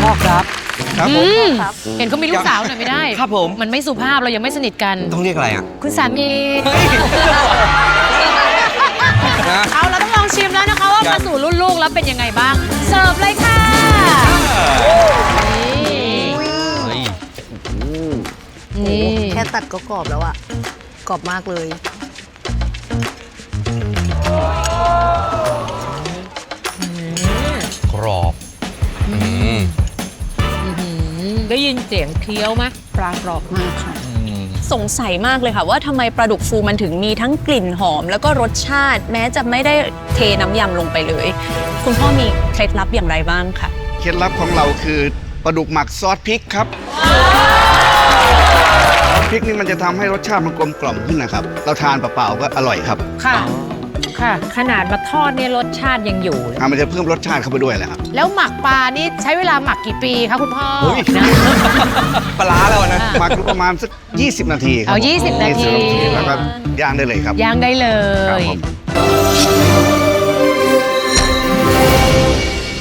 พ่อครับครับผมเห็นเขามีลูกสาวหน่อยไม่ได้ครับผมมันไม่สุภาพเรายังไม่สนิทกันต้องเรียกอะไรอ่ะคุณสามีนะเอาเราต้องลองชิมแล้วนะคะว่าครัมาบสู่รุ่นลูกแล้วเป็นยังไงบ้าง เสิร์ฟเลยค่ะนี่แค่ตัดก็กรอบแล้วอะกรอบมากเลยกรอบได้ยินเสียงเคี้ยวไหมปลากรอบมากค่ะสงสัยมากเลยค่ะว่าทำไมปลาดุกฟูมันถึงมีทั้งกลิ่นหอม แล้วก็รสชาติแม้จะไม่ได้เทน้ำยำลงไปเลย คุณพ่อมีเคล็ดลับอย่างไรบ้างคะเคล็ดลับของเราคือปลาดุกหมักซอสพริกครับซอสพริกนี่มันจะทำให้รสชาติมันกลมกล่อมขึ้นนะครับ เราทานเปล่าๆก็อร่อยครับค่ะค่ะ ขนาดมาทอดเนี่ยรสชาติยังอยู่เลยมันจะเพิ่มรสชาติเข้าไปด้วยแหละครับแล้วหมักปลานี่ใช้เวลาหมักกี่ปีคะคุณพ่อเฮ้ย ปลาร้าแล้วนะหมักอยู่ประมาณสัก 20 นาทีครับเอา20 นาทีแล้วก็ย่างได้เลยครับย่างได้เลครับยผม